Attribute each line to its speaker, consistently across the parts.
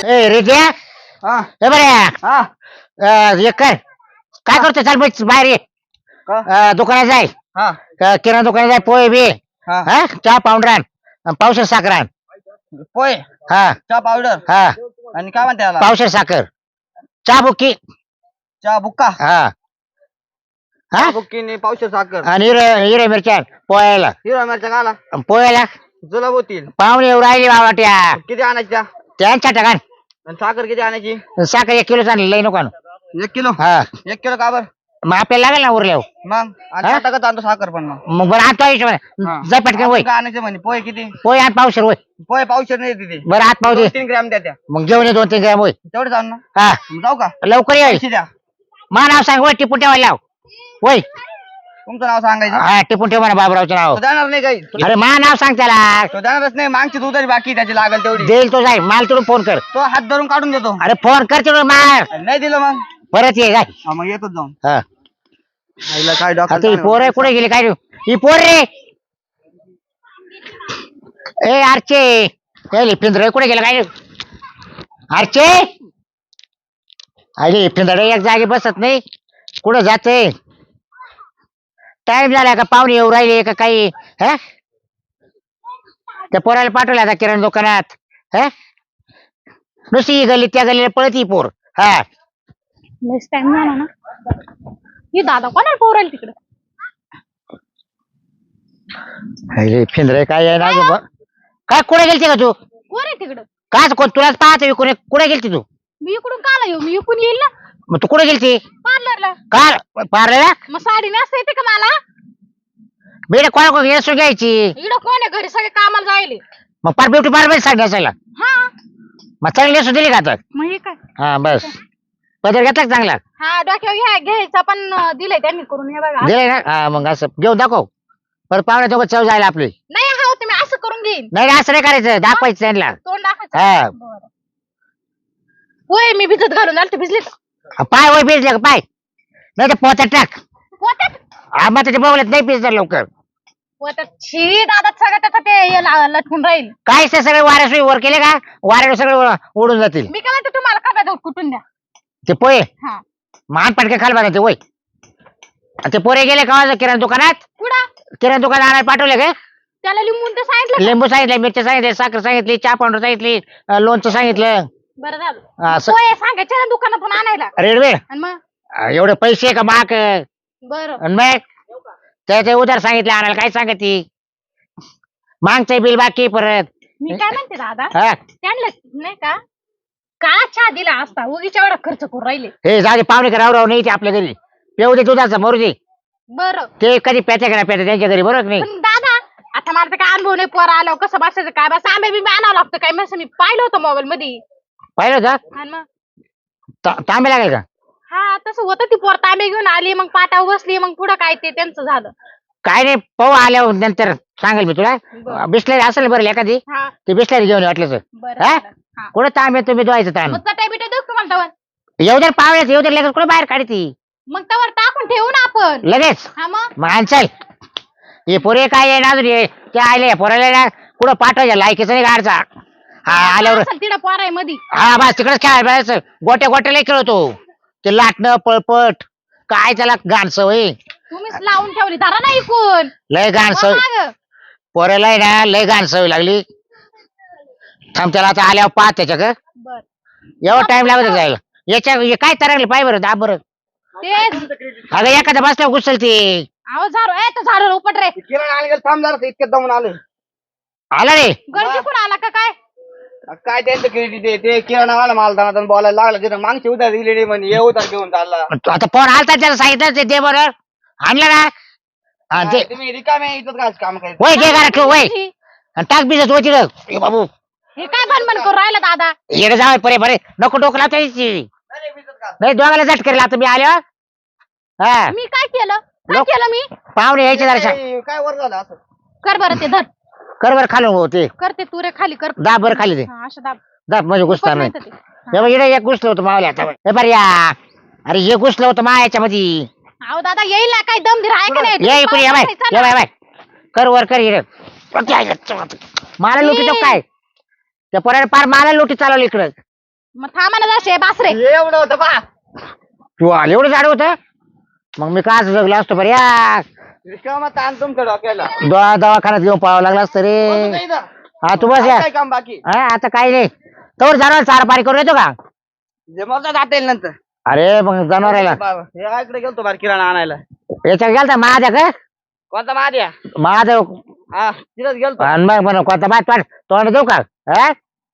Speaker 1: ए रेद्या
Speaker 2: हा
Speaker 1: ए बरे
Speaker 2: हा
Speaker 1: हे कर काय करतो चल बाहेर ये
Speaker 2: का
Speaker 1: दुकानात जाय
Speaker 2: हा
Speaker 1: किराणा दुकानात जाय पोहे बी
Speaker 2: हा
Speaker 1: हा चहा पावडर आण पावशेर साखर आण
Speaker 2: पोय
Speaker 1: हा
Speaker 2: चहा पावडर
Speaker 1: हा
Speaker 2: आणि काय म्हणते याला
Speaker 1: पावशेर साखर चहा बुक्की
Speaker 2: चहा बुक्का
Speaker 1: हा हा
Speaker 2: चहा बुक्कीने पावशे साखर
Speaker 1: आणि हिरे मिरच्या आण पोह्याला
Speaker 2: हिरवा मिरच्या काला
Speaker 1: पोह्याला
Speaker 2: जुलाब होतील
Speaker 1: पाहुणे येऊ राहिली बाबाट्या
Speaker 2: किती आणायच्या
Speaker 1: त्यांच्या टाकान
Speaker 2: आणि साखर किती आणायची
Speaker 1: साखर 1 किलो आणली लई नको आणू.
Speaker 2: 1 किलो
Speaker 1: हा
Speaker 2: 1 किलो का बर
Speaker 1: मग आपल्याला लागेल ना उरल्यावर
Speaker 2: मग आणि
Speaker 1: हा?
Speaker 2: टाकत आणतो साखर पण मग
Speaker 1: मग बरं आता
Speaker 2: हा.
Speaker 1: जा पटकन वय
Speaker 2: अजून काय आणायचं म्हणे पोहे किती
Speaker 1: पोहे आण पावशेर वय
Speaker 2: पोहे पावशे नाही तिथे
Speaker 1: बरं हात पाव दे
Speaker 2: 3 ग्रॅम द्या त्या
Speaker 1: मग घेऊन ये 2-3 ग्रॅम होय
Speaker 2: तेवढे जाऊ ना
Speaker 1: हा
Speaker 2: मग जाऊ का
Speaker 1: लवकर ये
Speaker 2: पैसे द्या
Speaker 1: मा नाव सांग वय टिपून ठेवायला लाव वय
Speaker 2: तुमचं नाव सांगायचं
Speaker 1: हा टिपून ठेव म्हणा बाबरावचं नाव
Speaker 2: तो देणार नाही काही
Speaker 1: अरे मा नाव सांग त्याला
Speaker 2: तो देणारच नाही मागची तू तरी बाकी त्याची लागेल तेवढी
Speaker 1: देईल तो जाय माल तिकडून फोन कर
Speaker 2: तो हात धरून काढून देतो
Speaker 1: अरे फोन कर तिकडून मार
Speaker 2: नाही दिलं मग
Speaker 1: परत ये जाय
Speaker 2: हा मग येतोच जाऊन
Speaker 1: हा
Speaker 2: आईला काय
Speaker 1: आता ही
Speaker 2: डॉक्टर
Speaker 1: पोर कुठे गेली काय ही पोर रे ए आरचे ए पिंजरे कुठे गेला काय आरचे अरे पिंजरे एक जागी बसत नाही कुठं जाते टाइम झाला का पाहुणे येऊ राहिले का काही हा त्या पोराला पाठवलं आता किराणा दुकानात हा नुसती ही गल्ली त्या गल्लीला पळत ही पोर हा
Speaker 3: नेक्स्ट टाइम झाला ना ही दादा कोणाला पोरायला तिकडे
Speaker 1: अरे पिंजरे काय आहे ना ग बा? काय कुठे गेलती का तू
Speaker 3: कोण आहे तिकडं
Speaker 1: काय कोण तुलाच पाहतो कुठे कुठे गेलती तू
Speaker 3: मी इकडून काला येऊ मी इकडून येईल ना
Speaker 1: मग तू कुठे गेलती
Speaker 3: पार्लरला
Speaker 1: काय पारलेला
Speaker 3: मग साडी नेसता येते का मला
Speaker 1: बेड कोणा कोण येसून घ्यायची
Speaker 3: इकडं कोण आहे घरी सगळे कामाला जायले
Speaker 1: मग पार ब्युटी पार्लर सांग असायला
Speaker 3: हा
Speaker 1: मग चांगली नेसून दिली का आता
Speaker 3: मग हे काय
Speaker 1: हा बस पदर घेतला का चांगला
Speaker 3: हा डोक्यावर घ्यायचा पण दिलंय त्यांनी करून हे बघा
Speaker 1: दिलाय ना हा मग असं घेऊन दाखव परत पाहुणे दोघं चव जायला आपली
Speaker 3: नाही हा तुम्ही असं करून घेईन
Speaker 1: नाही नाही, असं नाही करायचं दाखवायचं त्यांना
Speaker 3: तोंड
Speaker 1: हा.
Speaker 3: दाखवायचं बरं. होय मी भिजत घालून आले भिजले
Speaker 1: पाय वय भिजले का पाय नाही तर पोत्यात टाक
Speaker 3: पोत्यात
Speaker 1: हा मग त्याच्या बघल्यात नाही भिजणार लवकर
Speaker 3: पोत्यात छी दादा सगळं त्याचं ते हे लटकून राहील
Speaker 1: काय ते सगळे वाऱ्यासोयी वर केले का वाऱ्यावर सगळे उडून जातील
Speaker 3: मी काय म्हणते तुम्हाला खब्यात कुठून द्या
Speaker 1: ते पोहे
Speaker 3: हा
Speaker 1: मान पटके खाल बघा ते वय ते पोरे गेले का किराणा दुकानात
Speaker 3: कुठं
Speaker 1: किराणा दुकानात आणायला पाठवले का
Speaker 3: त्याला लिंबून तर सांगितलं
Speaker 1: लिंबू सांगितले मिरच्या सांगितले साखर सांगितली चहा पावडर सांगितली लोणचं सांगितलं
Speaker 3: बरं झालं
Speaker 1: असं
Speaker 3: होय सांगायचं ना दुकानातून आणायला
Speaker 1: रेडवे
Speaker 3: आणि मग
Speaker 1: एवढे पैसे का माक आणि
Speaker 3: बरं
Speaker 1: मग त्याचे उधार सांगितले आणायला काय सांगते मागचं बिल बाकी परत
Speaker 3: मी काय म्हणते दादा
Speaker 1: हा
Speaker 3: त्यांना नाही का का चहा दिला असता उगीच्या एवढा खर्च करून राहिले
Speaker 1: हे झाले पाहुणे का राव नाही ते आपल्या घरी पेऊ दे दुधाचा मरू दे
Speaker 3: बरं
Speaker 1: ते कधी प्याच्या का प्याच्या त्यांच्या घरी बरोबर नाही
Speaker 3: पण दादा आता मला तर काय अनुभव नाही पोर आलो कसं बसायचं काय बस आंबे बी आणावं लागतं काय मग मी पाहिलं होतं मोबाईल मध्ये
Speaker 1: पाहिलं का
Speaker 3: आणि मग
Speaker 1: तांबे लागेल का
Speaker 3: हा तसं होतं ती पोर तांबे घेऊन आली मग पाटावर बसली मग पुढं काय ते त्यांचं झालं
Speaker 1: काय नाही पाहू आल्यावर नंतर सांगेल मी तुला
Speaker 3: बरं.
Speaker 1: बिस्लरी असेल बरं एखादी
Speaker 3: हा
Speaker 1: ते बिस्लरी घेऊन वाटलं
Speaker 3: बरं
Speaker 1: हा?
Speaker 3: झालं. हा.
Speaker 1: कुठं तांबे तुम्ही धुवायचं ताण
Speaker 3: मग चटाई बिटाई देऊ का मला तवर
Speaker 1: येऊ दे पाहुण्यात येऊ दे लगेच कुठे बाहेर काढती
Speaker 3: मग तवर टाकून ठेवू ना आपण
Speaker 1: लगेच
Speaker 3: हा मग
Speaker 1: मग आणचाल हे पोरे काय आहे ना अजून हे ते आले पोराला ना कुठं पाठवायच्या लायकीचं नाही गाडचा हा आल्यावर
Speaker 3: असेल तिला पोराय मध्ये
Speaker 1: हा बस तिकडेच खेळायला पाहिजे गोट्या गोट्याला खेळतो ते लाटणं पळपट काय त्याला घाण सवय
Speaker 3: तुम्हीच लावून ठेवली धरा नाही कोण
Speaker 1: लय घाण सवय पोऱ्याला आहे ना लय घाण सवय लागली थांब त्याला आता आल्यावर पाहत त्याच्या का
Speaker 3: बर
Speaker 1: एवढा टाइम लागत जायला याच्या हे काय तरंगले पाय बरं दाब बरं
Speaker 3: तेच
Speaker 1: अगं एखादा बसल्यावर घुसल ते
Speaker 3: अहो झारो ए तो झारो उपट रे
Speaker 2: किराणा आणायला थांब जरा इतक्यात दमून आलं
Speaker 1: आला रे
Speaker 3: गर्दी कोण आला का काय
Speaker 2: काय त्यांचं क्रेडिट ते किराणा आला मला दाना बोलायला लागला तिथं मागची उधार दिली नाही म्हणे ये उधार घेऊन चालला
Speaker 1: आता फोन आलता त्याला सांगितलं ते दे बरोबर आणलं ना हा, ते
Speaker 2: तुम्ही रिकामे इथं काय काम करायचं
Speaker 1: वय दे घरात वय आणि टाक बिजत होती रे बाबू
Speaker 3: हे काय भनभन करून राहिला दादा
Speaker 1: येणं जावं परे बरे नको डोकं लावता यायची नाही दोघाला झट करेल आता मी आलो हा
Speaker 3: मी काय केलं काय
Speaker 1: लोक-
Speaker 3: केलं मी
Speaker 1: पाहुणे यायचे जरा
Speaker 2: काय वर झालं असं
Speaker 3: कर बरं ते धर
Speaker 1: कर बरं खालून हो ते
Speaker 3: कर ते तुरे खाली कर
Speaker 1: दाब बरं खाली ते
Speaker 3: हा, असं दाब
Speaker 1: दाब म्हणजे घुसणार नाही
Speaker 3: उपट नाही तर ते.
Speaker 1: हे बघ, इकडे एक घुसलं होतं मावल्या आता हे बरं या अरे हे घुसलं होतं मा याच्या मध्ये
Speaker 3: अहो दादा येईल ना काय दम धीर आहे का नाही
Speaker 1: ये इकडे या बाय
Speaker 3: चला.
Speaker 1: ये बाय बाय कर वर कर इकडे मला लुटी तो काय त्या पोराने पार मला लुटी चालवली इकडं
Speaker 3: मग थांबा ना जसे बासरे.
Speaker 2: एवढं होतं पा.
Speaker 1: तू आले एवढं झाड होतं मग मी का जगलो असतो बरं या
Speaker 2: रिकामा ताण तुमच्या डोक्याला.
Speaker 1: दवाखान्यात घेऊन पळावं लागलं असतं
Speaker 2: बसू दे
Speaker 1: रे.
Speaker 2: इथं.
Speaker 1: हा तू बस या.
Speaker 2: काय काम बाकी
Speaker 1: हा आता काही नाही तोवर जनावर चारा पाणी करून येतो का?
Speaker 2: जे मला जाता येईल नंतर.
Speaker 1: अरे मग जनावराला
Speaker 2: बाबा, हे इकडे गेलतो बार किराणा आणायला.
Speaker 1: याच्यात गेलता माझ्या का
Speaker 2: कोणता महाद्या?
Speaker 1: माझं
Speaker 2: हा तिथंच गेलतो.
Speaker 1: आणि मग म्हणा कोणता बात पाठ तोंड देऊ का? हा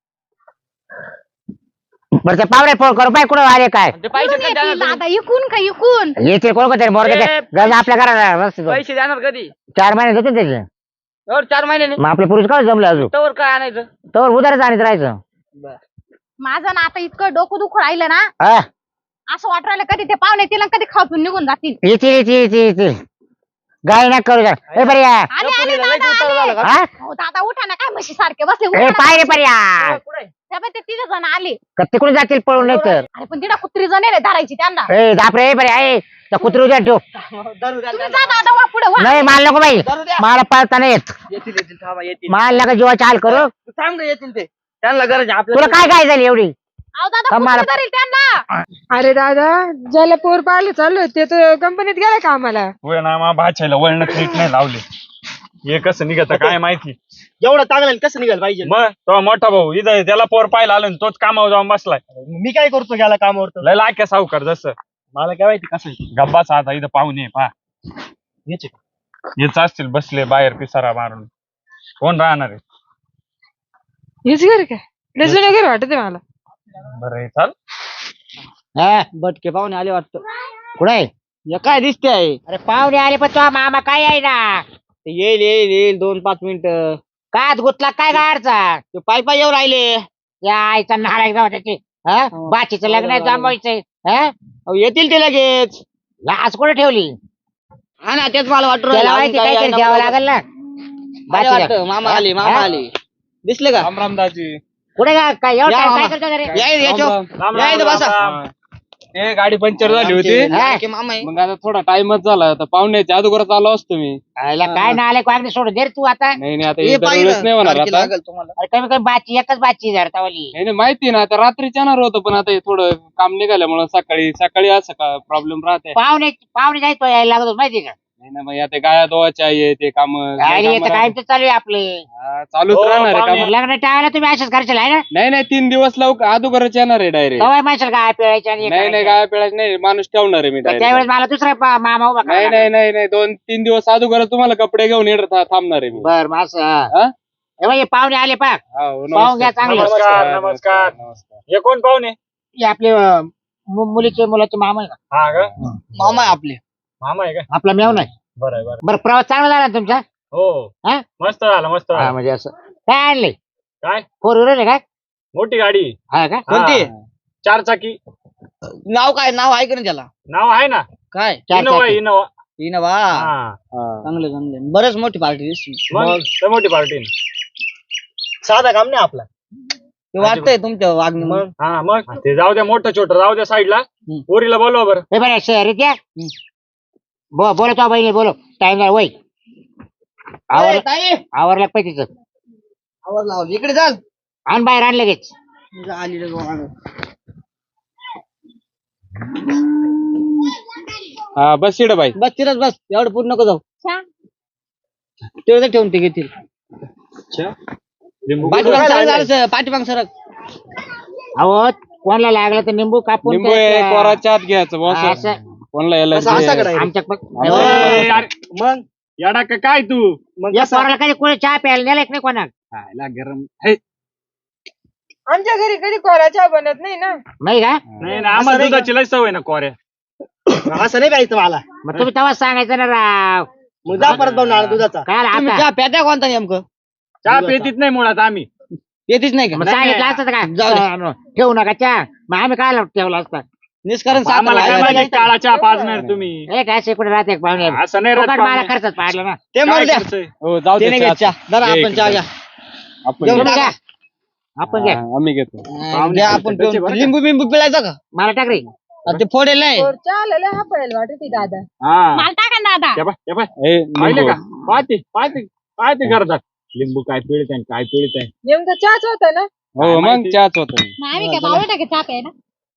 Speaker 1: बरं ते पावरे फोन करू पाय कुठं आले काय
Speaker 2: ते पैसे
Speaker 3: कुठून
Speaker 2: कधी देणार
Speaker 3: येतील
Speaker 2: तुम्ही?
Speaker 3: दादा इकून का इकून?
Speaker 1: येते कोण कोणतरी मोर
Speaker 2: ए,
Speaker 1: गज आपल्या घराला बस तो.
Speaker 2: पैसे देणार कधी?
Speaker 1: 4 महिने देतो ना त्याचे.
Speaker 2: और 4 महिने
Speaker 1: मग आपले पुरुष काय जमले अजून
Speaker 2: तवर काय आणायचं?
Speaker 1: तोवर उधारच आणत राहायचं.
Speaker 3: माझं ना आता इतकं डोकं दुखू राहिलं ना
Speaker 1: हा
Speaker 3: असं वाटू राहिलं कधी ते पाहुणे येतील आणि कधी खाऊन निघून जातील.
Speaker 1: येतील गाय ना करू ए पर्या
Speaker 3: आले आले दादा आले.
Speaker 1: हा
Speaker 3: हो दादा उठा ना काय म्हशी सारखे बसले
Speaker 1: ए
Speaker 3: उठा ना.
Speaker 1: पाय रे पर्या
Speaker 3: त्यामुळे ते 3 जण आले.
Speaker 1: का तिकडून जातील पळून नाही तर
Speaker 3: अरे पण तिला कुत्री जण आहे रे धरायची त्यांना.
Speaker 1: ए दापरे ए पर्या ए त्या कुत्री उद्या ठेव
Speaker 2: दारू द्या,
Speaker 3: तुम्ही जा दादा वा पुढे वा.
Speaker 1: नाही माल नको बाई
Speaker 2: दारू द्या.
Speaker 1: मला पळता नाही येत
Speaker 2: येतील थांबा येतील.
Speaker 1: माल नका जीवाची हाल करू
Speaker 2: तू सांग रे येतील ते. त्यांना गरज आहे
Speaker 1: तुला
Speaker 2: आपल्याला.
Speaker 1: काय झाली एवढी
Speaker 3: अहो दादा
Speaker 1: कमाल.
Speaker 3: कुत्री धरेल त्यांना.
Speaker 4: अरे दादा ज्याला पोर पाहिलं चालू ते तर कंपनीत गेला का आम्हाला.
Speaker 5: होय ना मा भाच्याला वळण नीट नाही लावले हे कसं निघत काय माहिती.
Speaker 2: एवढं चांगलं कसं निघाल पाहिजे.
Speaker 5: मग तो मोठा भाऊ इथं त्याला पोर पाहिला आलो तोच कामावर जाऊन बसलाय.
Speaker 2: मी काय करतो गेला कामावर तर?
Speaker 5: लय लाख्या सावकार जसं
Speaker 2: मला काय माहिती कसं आहे.
Speaker 5: गब्बाचा आता इथं पाहुणे पा
Speaker 2: याचे.
Speaker 5: हेच असतील बसले बाहेर पिसारा मारून कोण राहणार आहे.
Speaker 4: हेच घर काय जुनं घर वाटत मला.
Speaker 5: बरं आहे, चाल
Speaker 1: हा
Speaker 2: बटके पाहुणे आले वाटतं.
Speaker 1: कुठे
Speaker 2: या काय दिसते आहे.
Speaker 1: अरे पाहुणे आले पण तो मामा काय आहे ना
Speaker 2: ते येईल 2-5 मिनिटं.
Speaker 1: काय गुतला काय गाडचा
Speaker 2: ते पाय येऊ राहिले.
Speaker 1: या आईचा नारायण गाव त्याची हा बाचीचं लग्न आहे जमवायचंय हा
Speaker 2: अहो, येतील ते लगेच.
Speaker 1: लाज कुठे ठेवली
Speaker 2: हा ना तेच मला वाटतं
Speaker 1: त्याला माहिती काहीतरी द्यावं लागेल ना बाचीला.
Speaker 2: मामा आले मामा
Speaker 1: हा?
Speaker 2: आले. दिसले का?
Speaker 5: राम रामदाजी
Speaker 1: कुठे काय एवढं
Speaker 2: या
Speaker 1: time
Speaker 2: मामा.
Speaker 1: काय करतो रे
Speaker 2: या इथं बसा.
Speaker 6: ते गाडी पंक्चर झाली होती
Speaker 1: हा?
Speaker 2: की मामा आहे.
Speaker 6: मग आता थोडा टाइमच झाला आता पाहुण्याच्या अगोदरच आलो असतो मी.
Speaker 1: आईला काय ना आले अगदी सोडून दे रे तू आता
Speaker 6: नाही आता
Speaker 2: हे
Speaker 6: हे
Speaker 2: पाहिलं.
Speaker 6: दरवेळेस नाही होणार
Speaker 2: तारखेला
Speaker 6: आता.
Speaker 2: लागेल तुम्हाला.
Speaker 1: अरे कमी कमी बाची एकच बाची धरतावली
Speaker 6: नाही माहिती ना आता रात्रीच येणार होतं पण आता हे थोडं काम निघाल्यामुळे सकाळी असं का प्रॉब्लेम राहते.
Speaker 1: पाहुणे जायचो यायला लागतो माहिती का
Speaker 6: नाही ना मग आता गाया दोवाच्या आहे ते काम
Speaker 1: अरे येतं काय तर चालू आहे आपले
Speaker 6: चालूच
Speaker 5: हो,
Speaker 6: राहणार आहे
Speaker 5: पाहुणे.
Speaker 6: काम.
Speaker 1: लग्न टाळायला तुम्ही अशाच करशाल आहे ना
Speaker 6: नाही 3 दिवस लवकर अगोदरच येणार आहे डायरेक्ट.
Speaker 1: तवाय माणसाला काय पिळायचं आणि हे
Speaker 6: नाही
Speaker 1: करायचं.
Speaker 6: गाया पिळायच नाही माणूस ठेवणार आहे मी
Speaker 1: तर
Speaker 6: डायरेक्ट.
Speaker 1: त्यावेळेस मला दुसरा मामा उभा
Speaker 6: नाही
Speaker 1: करावा लागेल.
Speaker 6: नाही 2-3 दिवस अगोदरच तुम्हाला कपडे घेऊन येणार थांबणार आहे मी.
Speaker 1: बर मग असं
Speaker 6: हा?
Speaker 1: हे बघ, हे पाहुणे आले पा
Speaker 6: हो,
Speaker 1: पाहून घ्या चांगलं.
Speaker 5: नमस्कार. हे कोण पाहुणे
Speaker 1: हे आपले मुलीचे मुलाचे मामा आहे ना
Speaker 5: हा का
Speaker 2: मामा आहे आपले.
Speaker 5: मामा आहे का
Speaker 1: आपला मेव नाही
Speaker 5: बरं आहे, बरं
Speaker 1: बरं प्रवास चांगला झाला ना तुमचा
Speaker 5: हो
Speaker 1: हा?
Speaker 5: मस्त झालं मस्त
Speaker 1: हा
Speaker 5: झालं.
Speaker 1: म्हणजे असं काय आणले
Speaker 5: काय
Speaker 1: 4 व्हीलर काय
Speaker 5: मोठी गाडी
Speaker 1: हा का
Speaker 2: कोणती?
Speaker 5: 4 चाकी
Speaker 2: नाव काय नाव आहे का ना त्याला?
Speaker 5: नाव आहे ना
Speaker 2: काय?
Speaker 1: 4
Speaker 5: इनोवा
Speaker 1: चाकी.
Speaker 5: Innova
Speaker 2: Innova.
Speaker 5: हा
Speaker 2: चांगले बरेच मोठी पार्टी दिसली.
Speaker 5: मग लय मोठी पार्टी
Speaker 2: साधा काम नाही आपला. ते वाटतंय तुमच्या वागणीमुळे.
Speaker 5: हा मग ते जाऊ द्या मोठं छोटं जाऊ द्या साईडला पोरीला बोलवा बरं.
Speaker 1: हे बरं शहरीत या बोलो तो बहिणी बोलो टाइम नाही वय आवरलं पाहिजे तिचं
Speaker 2: आवाज लावला इकडे चाल.
Speaker 1: आण बाहेर आण लगेच
Speaker 2: आली रे गोवांग.
Speaker 6: हा बस इकडं बाई.
Speaker 2: बस तिथंच बस एवढं पूर्ण नको जाऊ.
Speaker 3: छा.
Speaker 2: तेवढं ठेवून ते घेतील.
Speaker 5: लिंबू
Speaker 2: पाठीमाग सरक.
Speaker 1: अहो कोणाला लागलं तर निंबू कापून
Speaker 6: लिंबू
Speaker 1: प्यायचं.
Speaker 6: कोराच्या आत घ्यायचं बॉस.
Speaker 1: हा, असं.
Speaker 6: कोणला यायला
Speaker 1: आमच्या
Speaker 5: ए, अरे,
Speaker 2: मग
Speaker 5: येडा का काय तू
Speaker 1: या पोराला कधी कोणी चहा प्यायला नेलं की नाही कोणा
Speaker 5: खायला गरम हे,
Speaker 4: आमच्या घरी कधी कोरा चहा बनत नाही ना.
Speaker 1: नाही का
Speaker 5: नाही ना आम्हाला दुधाची लय सवय ना कोऱ्या.
Speaker 2: असं नाही पाहिजे मला.
Speaker 1: मग तुम्ही तेव्हा सांगायचं ना राव
Speaker 2: मग जा परत बनवणार दुधाचा.
Speaker 1: काय
Speaker 2: तुम्ही
Speaker 1: आता
Speaker 2: चहा प्यात्या कोणता नेमकं?
Speaker 5: चहा पेतीत नाही मुळात आम्ही.
Speaker 2: येतीच नाही
Speaker 1: मग
Speaker 2: का?
Speaker 1: सांगितलं असतं का
Speaker 2: जाऊ दे.
Speaker 1: ठेवू नका चहा मग आम्ही काय ठेवला असता
Speaker 2: निष्कारण
Speaker 5: आम्हाला काय
Speaker 2: साखर
Speaker 5: माहिती काळा चहा पाजणार तुम्ही.
Speaker 1: हे काय शेकडे राहते पाहुणे
Speaker 5: असं नाही राहत
Speaker 1: फुकट मला
Speaker 5: पाहुणे.
Speaker 1: खर्चच पाडलं ना
Speaker 2: ते
Speaker 5: काय
Speaker 2: म्हणू द्या.
Speaker 5: खर्च आहे?
Speaker 6: हो जाऊ
Speaker 2: ते
Speaker 6: दे
Speaker 2: नाही
Speaker 6: चहा.
Speaker 2: घेत चहा. जरा
Speaker 6: घे
Speaker 2: आपण चहा घ्या.
Speaker 6: आपण
Speaker 2: जेवण
Speaker 1: तुम्ही
Speaker 2: टाका.
Speaker 1: घ्या आपण घ्या
Speaker 6: आम्ही घेतो.
Speaker 2: द्या आपण
Speaker 5: त्याचे बरं का?
Speaker 2: लिंबू बिंबू पिळायचं का?
Speaker 1: मला टाक रे
Speaker 2: ते फोडेल नाही.
Speaker 4: पोर चहा आलेला हा पळेल वाटत दादा.
Speaker 5: हा
Speaker 3: मला टाका ना दादा.
Speaker 5: हे पाय, हे पाय.
Speaker 6: ए,
Speaker 5: पाहिले
Speaker 6: लिंबू.
Speaker 5: का पाहते करतात लिंबू काय पिळत आहे काय पिळत आहे.
Speaker 4: नेमका चहाच होता ना.
Speaker 6: हो मग
Speaker 5: माहिती?
Speaker 6: चहाच होत
Speaker 3: मग आम्ही काय बावळ टाके चहा प्यायला